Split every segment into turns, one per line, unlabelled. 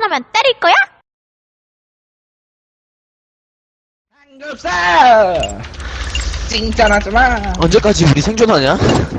생존하면 때릴 거야?
삼겹살! 칭찬하지마.
언제까지 우리 생존하냐?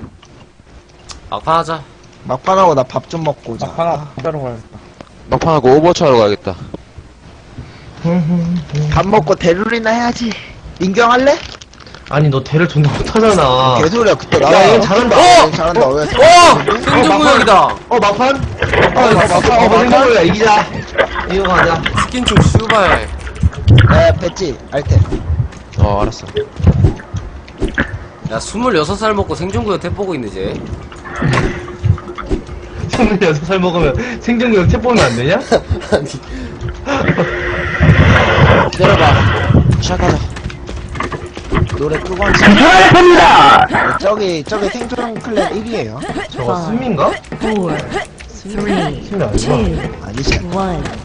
막판 하자.
막판하고 나 밥 좀 먹고 오자.
하나 따로 가야겠다.
막판하고 오버워치 하러 가야겠다.
밥 먹고 대룰이나 해야지. 인경할래?
아니 너 대를 존나 못하잖아.
개소리야 그때 나.
야, 얘 잘한다.
얘 잘한다. 왜?
생존구역이다.
막판?
막판.
생각보다 이기자. 이거 가자.
스킨 좀 슈발.
네, 뱉지. 알테.
알았어.
야 26살 먹고 생존구역 탭 보고 있네 쟤.
26살 먹으면 생존구역 탭 보면 안 되냐?
아니
기다려봐. 시작하자.
노래 끄고 앉아.
감사합니다!
저기 생존 클랜 1위에요.
저거 승민가?
4, 3, 2,
승민 아니구나.
아니지.
1.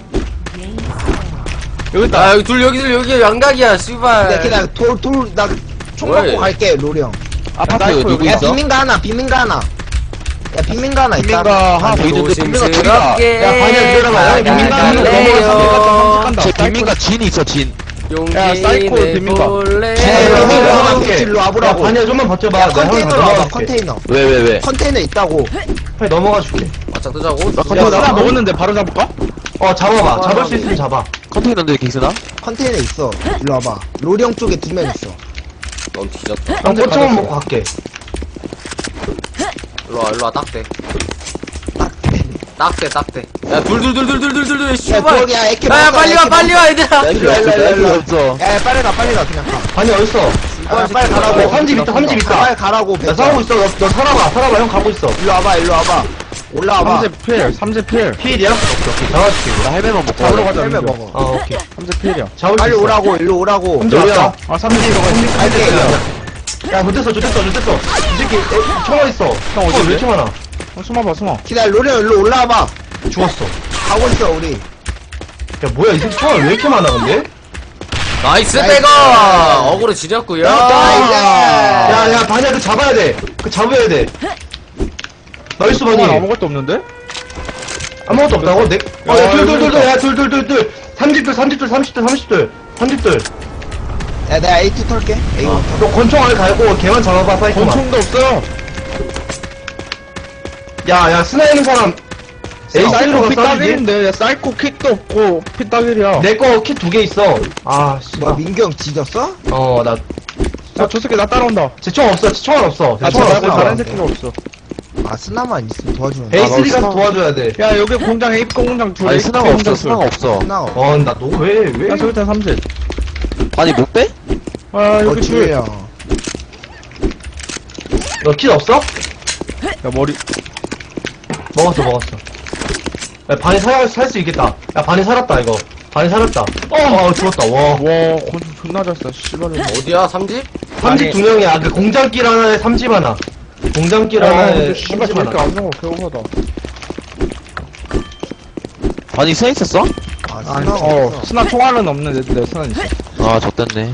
여기
아 여기 둘 여기 양각이야 슈발.
근데 그냥 나 총
왜?
갖고 갈게, 로리 형.
아파트 누구
야,
있어?
빈민가 하나. 야, 빈민가 하나 있다.
빈민가 하나 더 있는데 빈민가 둘이다.
조심스럽게
야, 반야 들어가.
빈민가
나갈래요.
넘어가.
제 빈민가 진이 있어 진.
야, 사이코
용기
빈민가.
내볼래.
일로
야,
와보라고.
반야 좀만 버텨봐.
야,
내가 형이
컨테이너로
다
와봐,
넘어갈게.
컨테이너.
왜?
컨테이너 있다고.
빨리 넘어가 줄게.
바짝 뜨자고.
컨테이너
나 먹었는데 바로 잡을까?
잡아봐. 잡을 수 있으면 잡아.
컨테이너인데 갱스나?
컨테이너 있어. 일로 와봐. 로리 형 쪽에 2명 있어.
넌 뒤졌다.
형 꼬청은 먹고 갈게.
일로와 딱대. 딱대. 야 둘
야,
슈발.
저기, 야, 에케
야
먹었다,
빨리 와
에케
얘들아.
필요 없어. 필요 없어.
야, 빨리 가, 그냥 가.
반야 어딨어?
야, 빨리 가라고.
야, 삼집 있다, 삼집 있다.
빨리 가라고,
야,
배짱.
싸우고 있어. 너 살아봐. 형 가고 있어.
일로 와봐. 올라와봐.
삼재 필.
필이야? 오케이. 잡아줄게.
나 헬멧만 먹고
잡으러
가자.
가자.
헬멧
민규.
먹어.
오케이.
삼재 필이야.
잡을 수
빨리
있어.
오라고, 일로 오라고.
삼재
왔다.
왔다. 아, 삼재
갈게.
야, 못됐어. 이 새끼, 총알 있어.
형, 어디
왜 이렇게 많아?
숨어봐.
기다려, 로리 형 일로 올라와봐.
죽었어.
가고 있어, 우리.
야, 뭐야, 이 새끼 총알 왜 이렇게 많아, 근데?
나이스
나이스.
백어. 어그로 지렸구요.
나이스.
야, 반야, 그 잡아야 돼. 그 잡아야 돼. 나이스, 반이.
아무것도 없는데?
아무것도 없다고? 내,
야,
야, 둘.
그러니까.
야, 둘. 30둘.
야, 내가 A2 털게. A2.
너 권총 안에 달고 걔만 잡아봐, 사이코만.
권총도 없어.
야, 스나 있는 사람.
사이코
에이스로
피
가 싸우지?
따길인데, 야, 사이코 킥도 없고, 피 따길이야.
내거 킷 2개 있어. 아, 씨.
뭐, 민규 형 뒤졌어?
나,
야, 저 새끼 나 따라온다.
제 총 없어. 제 총알 없어.
아,
제
저
총알
말고
없어.
다른 새끼가 없어.
아, 스나만 있으면 도와주면 돼.
베이스 가서 도와줘야 돼.
야, 여기 공장, A 공장 둘.
아니 스나가 없어. 스나가 없어.
스나.
나 너 왜?
야, 저기 다 삼재.
아니 못 빼?
아, 여기
지혜
둘. 야,
형.
너 킷 없어?
머리.
먹었어. 야, 반이 살 수 있겠다. 야, 반이 살았다, 이거. 반이 살았다. 죽었다, 와.
와, 권총 존나 잘 써, 씨발로.
어디야 삼집?
삼집 2명이야. 그 공장길 하나에 삼집 하나. 공장길
아,
하나에
근데 씨발
삼집
저렇게
하나.
안 먹어, 개오바다.
아니 스나 있었어?
아,
아니,
스나. 없어.
스나 총알은 없는데, 내 스나는 있어.
아 졌댔네.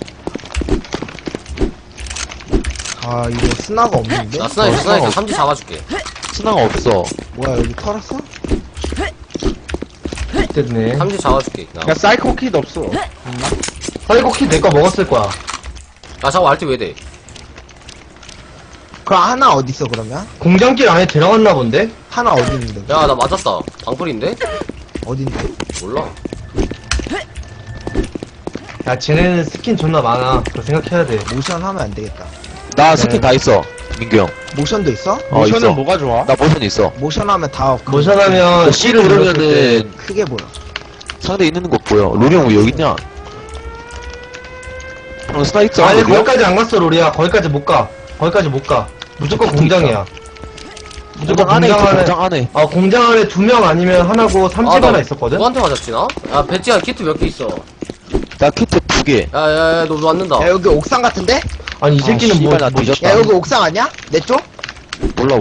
아, 이거 스나가 없는데?
나 스나 있어. 삼집 잡아줄게.
스나가 없어.
뭐야, 여기 털었어?
됐네.
삼집 잡아줄게.
야, 사이코 킥 없어.
사이코 킷 내 거 먹었을 거야.
야 저거 알티 왜 돼?
그럼 하나 어딨어, 그러면?
공장길 안에 들어갔나 본데?
하나 어디 있는데?
야 나 맞았다. 방풀인데?
어딘데?
몰라.
야, 쟤네는 스킨 존나 많아. 그거 생각해야 돼.
모션 하면 안 되겠다.
나 스킨 다 있어. 민규 형.
모션도 있어?
모션은
있어.
뭐가 좋아?
나 모션 있어.
모션 하면 다
모션하면
C를 누르면은
크게 보여.
상대 있는 거 보여. 로리 형 왜 여기 있냐? 형 스나 있어.
아니,
로리 형?
거기까지 안 갔어, 로리야. 거기까지 못 가. 무조건 공장이야. 무조건
공장 안에 있어.
공장 안에.
공장 안에.
공장 안에 2명 아니면 하나고 삼집
나
하나 있었거든?
누구한테 맞았지 나? 야 배지야 키트 몇 개 있어?
나 키트 2개.
야야야 너 맞는다.
야, 여기 옥상 같은데?
아니, 이 새끼는
씨발, 나 뒤졌다.
야, 여기 옥상 아니야? 내 쪽?
몰라.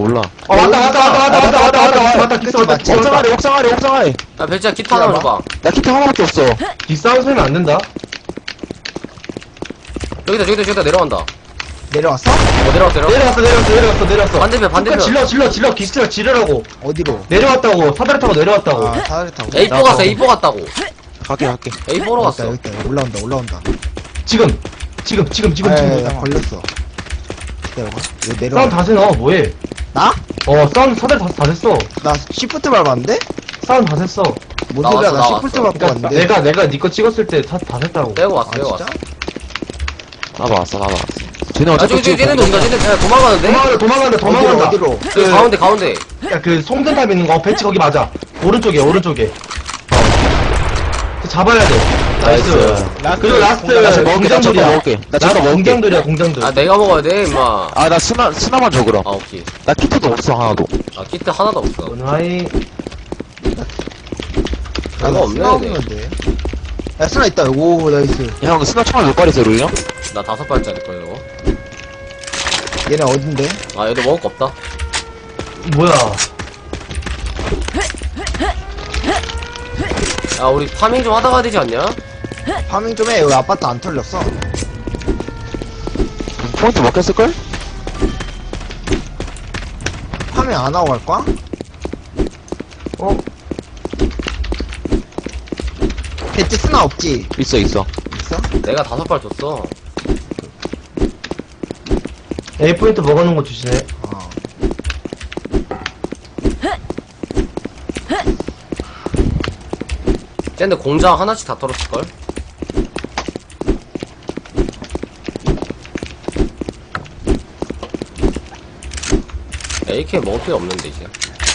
왔다. 기스 왔다.
옥상 아래. 옥상 아래.
야 배지야 키트 하나만 줘봐.
나 키트 하나밖에 없어.
뒷싸움 소리면 안 된다.
저기다 내려간다.
내려왔어?
내려왔어.
반대편, 반대편.
질러. 기스가 지르라고.
어디로?
내려왔다고. 사다리 타고 내려왔다고.
아, 사다리 타고.
A4 갔어, A4 갔다고.
갈게.
A4로 갔어.
여기 있다. 올라온다.
지금.
나 걸렸어. 기다려봐. 이거
싸움
내려와.
다시 넣어. 뭐해?
나?
싸움 사다리 다 됐어.
나 시프트 밟았는데?
싸움 다 됐어.
뭔
나왔어,
소리야? 나
나왔어.
시프트 밟고
그러니까
왔는데.
내가 니 거 찍었을 때 다 됐다고.
빼고 왔어,
아,
빼고 왔어.
진짜?
나도 왔어. 쟤네
아,
어차피
저기, 쟤네도 온다, 쟤네. 야, 도망가는데?
도망간다.
어디로?
여기 가운데.
야, 그 송전탑 있는 거 배치 거기 맞아. 오른쪽에. 잡아야 돼. 나이스. 그리고 라스트
나 지금 먹을게.
공장들이야.
나 지금 먹을게.
공장들이야, 공장들.
아, 내가 먹어야 돼, 임마.
아, 나 스나만 줘, 그럼.
아, 오케이.
나 키트도 없어, 하나도.
아, 키트 하나도 없어.
은하이.
별거 없네,
스나
이게.
없는데. 야, 스나 있다. 오, 나이스.
야, 형, 스나 총알 몇 발이었어, 루이 형?
나 5발짜리 거야, 이거.
얘네 어딘데?
아, 얘도 먹을 거 없다.
뭐야.
야, 우리 파밍 좀 하다 가야 되지 않냐?
파밍 좀 해. 여기 아파트 안 털렸어.
포인트 먹혔을걸?
파밍 안 하고 갈 거야?
어?
배치 스나 없지?
있어.
있어?
내가 5발 줬어.
A포인트 먹어놓은 거 주시네.
어.
쟤네 공장 하나씩 다 털었을걸? AK 먹을 필요 없는데, 이제.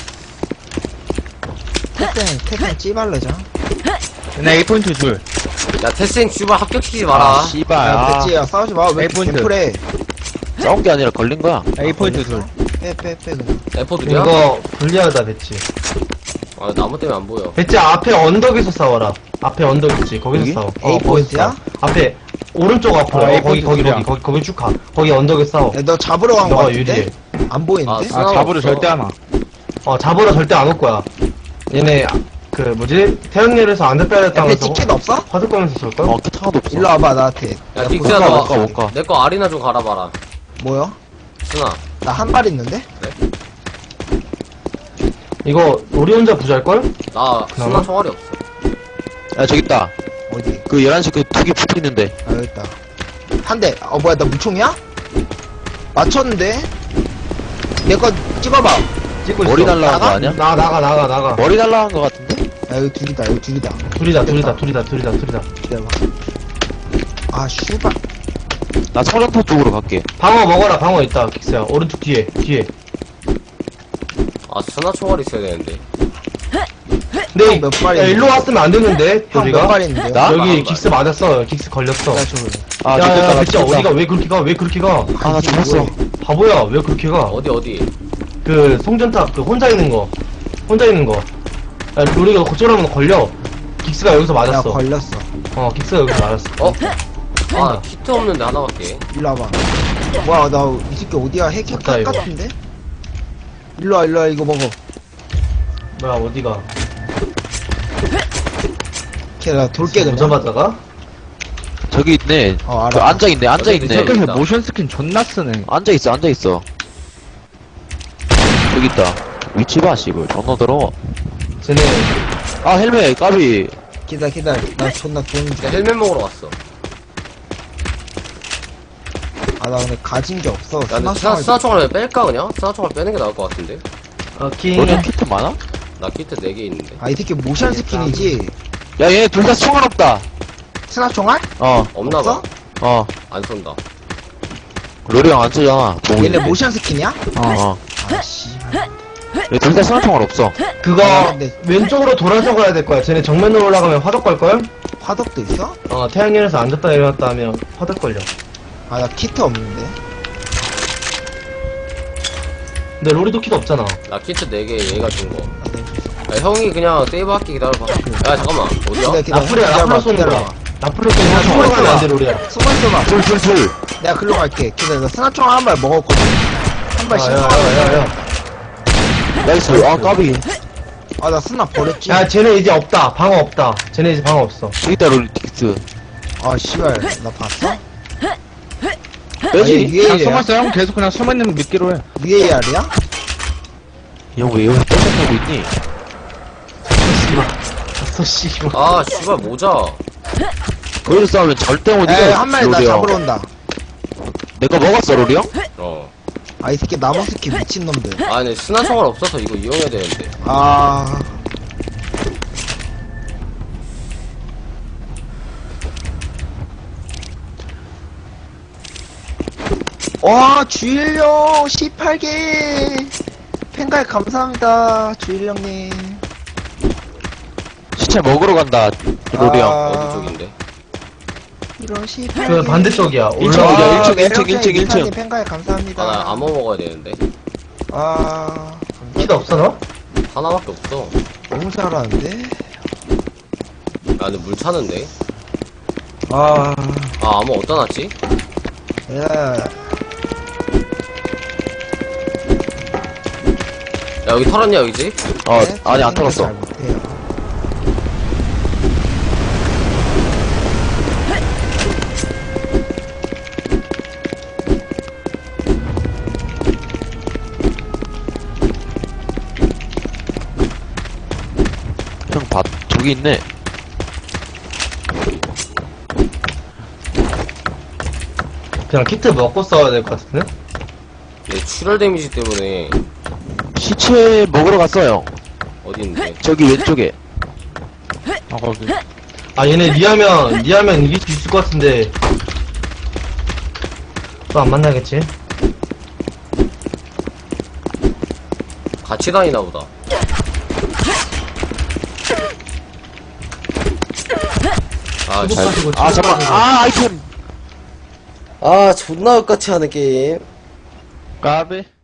태생 찌발레자.
나 A 포인트 둘.
야, 테스팅 슈발 합격시키지 마라.
씨발.
야, 배치야, 싸우지 마. 왜
A 포인트.
템플해?
싸운 게 아니라 걸린 거야.
A 포인트 둘.
빼, 그냥.
에포들이야?
이거 불리하다, 배치.
아, 나무 때문에 안 보여.
배치 앞에 언덕에서 싸워라. 앞에 언덕 있지. 거기서
여기?
싸워.
A
거기서
포인트야?
싸워. 앞에 오른쪽 앞으로.
A
거기
포인트야.
거기 쭉 가. 거기 언덕에 싸워.
야, 너 잡으러 간 거
너가
같은데?
유리해.
안 보이는데?
아,
아, 잡으러
없어.
절대 안 와.
잡으러 절대 안 올 거야. 얘네 그 뭐지? 태양열에서 안 됐다
야,
했다면서
배치 킷 없어?
화들 거면서 쏠걸?
키트 하나도 없어.
일로 와봐, 나한테.
야, 딕스야,
못 가, 못 가.
내 거 아리나 좀 갈아봐라.
뭐야?
순아.
나 한 발 있는데?
이거 우리 혼자 부자일걸?
나
그나마?
순아 총알이 없어.
야, 저기 있다.
어디?
그 11시 그 두 개 붙어 있는데.
아, 여기 있다. 한 대. 뭐야, 나 무총이야? 맞췄는데? 내 거 찍어봐.
찍고 있어.
머리 날라간 거 아니야?
나가.
머리 날라간 거 같은데?
야, 여기 둘이다.
둘이다.
기다려봐. 아, 슈발.
나 청정터 쪽으로 갈게.
방어 먹어라. 방어 있다. 킥스야. 오른쪽 뒤에.
아, 순아 총알이 있어야 되는데.
근데
몇 발이야?
야, 일로 왔으면 안 되는데.
형 몇
우리가
발 있는데요?
나?
여기 킥스 맞았어. 킥스 걸렸어.
나 저거.
아,
야,
좋겠다. 나
진짜
죽겠다.
어디가 왜 그렇게 가?
아, 나 죽었어.
바보야. 왜 그렇게 가?
어디?
그 송전탑 그 혼자 있는 거. 야, 우리가 고쳐라면 걸려. 킥스가 여기서
야,
맞았어.
걸렸어.
킥스가 여기서 맞았어.
어? 아, 나 키트 없는데 하나 갈게.
일로 와봐. 뭐야, 나 이 새끼 어디야? 핵
좋다, 이거.
같은데? 일로 와, 이거 먹어.
뭐야 어디가?
걔, 나 돌게 그냥.
오자마자가?
저기 있네.
어, 알아.
그 앉아있네. 앉아있네.
저기
저기서
있다.
모션 스킨 존나 쓰네.
앉아있어. 저기 있다. 위치 봐, 씨발. 존나 더러워.
쟤네
아, 헬멧, 까비.
기다려. 나 존나 돈 줘.
나 헬멧 먹으러 갔어.
아, 나 근데 가진 게 없어.
야, 근데 스나 총알 왜 뺄까, 그냥? 스나 총알 빼는 게 나을 것 같은데?
킹
너네 키트 많아?
나 키트 4개 있는데.
아, 이 새끼 모션 스킨이지?
야, 얘 둘 다 총알 없다.
스나 총알?
없나봐.
없어?
안 쏜다.
로리 형 안 쓰잖아.
얘네 모션 스킨이야?
어.
아, 씨발.
얘 둘 다 스나 총알 없어.
그거
아, 근데-
왼쪽으로 돌아서 가야 될 거야. 쟤네 정면으로 올라가면 화덕 걸걸?
화덕도 있어?
태양열에서 앉았다 내려왔다 하면 화덕 걸려.
아, 나 키트 없는데.
근데 로리도 키도 없잖아.
나 키트 4개 얘가 준 거.
아, 네.
야, 형이 그냥 세이브 할게 기다려봐. 야, 잠깐만. 어디야?
나풀이야. 나풀로 쏘는 거야. 나풀로 쏘는 거야.
기다려봐.
총으로 가면 안 돼, 로리야.
숨어있어봐.
둘.
내가 글로 갈게. 기다려. 나 스나 총알 한 발 먹었거든. 한 발 씩.
야.
나이스. 아, 까비.
아, 나 스나 버렸지.
야, 쟤네 이제 없다. 방어 없다. 쟤네 이제 방어 없어.
저기 있다, 로리 틱스.
아, 씨발. 나 봤어?
빼지?
아니,
그냥
위에
숨었어. 형 계속 그냥 숨어있는 믿기로 해.
위에 알이야?
형 왜 여기서 떼서 있니?
저 씨발.
아, 씨발, 모자.
거기서 싸우면 절대 못 이겨.
에, 한 마리 나
로리 형.
잡으러 온다.
내거 먹었어, 로리 형?
어.
아, 이 새끼 나무 스키 미친놈들.
아, 근데 스나총알 없어서 이거 이용해야 되는데.
아. 와, 주일령 18개. 팬가입 감사합니다, 주일령님.
시체 먹으러 간다, 로리 형.
어디 쪽인데?
이런 18개.
그 반대쪽이야.
일층
올라와.
어디야? 일층,
매력적인
일층, 일층, 일층.
이사님 팬가입 감사합니다.
아, 나 암호 먹어야 되는데.
아,
키도 없어, 너?
하나밖에 없어.
너무 잘하는데?
아, 근데 물 차는데?
아,
아, 암호 어디다 놨지?
예.
야, 여기 털었냐, 여기 집?
네,
아니, 안
저는
털었어.
잘 못해요.
형, 저기 있네.
그냥 키트 먹고 싸워야 될 것 같은데?
얘 출혈 데미지 때문에
시체 먹으러 갔어요.
어디 있는데?
저기 왼쪽에.
아, 거기.
아, 얘네 니하면 이길 수 있을 것 같은데. 또 안 만나겠지?
같이 다니나 보다. 아,
수복 가지고
아,
수복
잠깐.
가지고.
아, 아이템.
아, 존나 똑같이 하는 게임.
까비.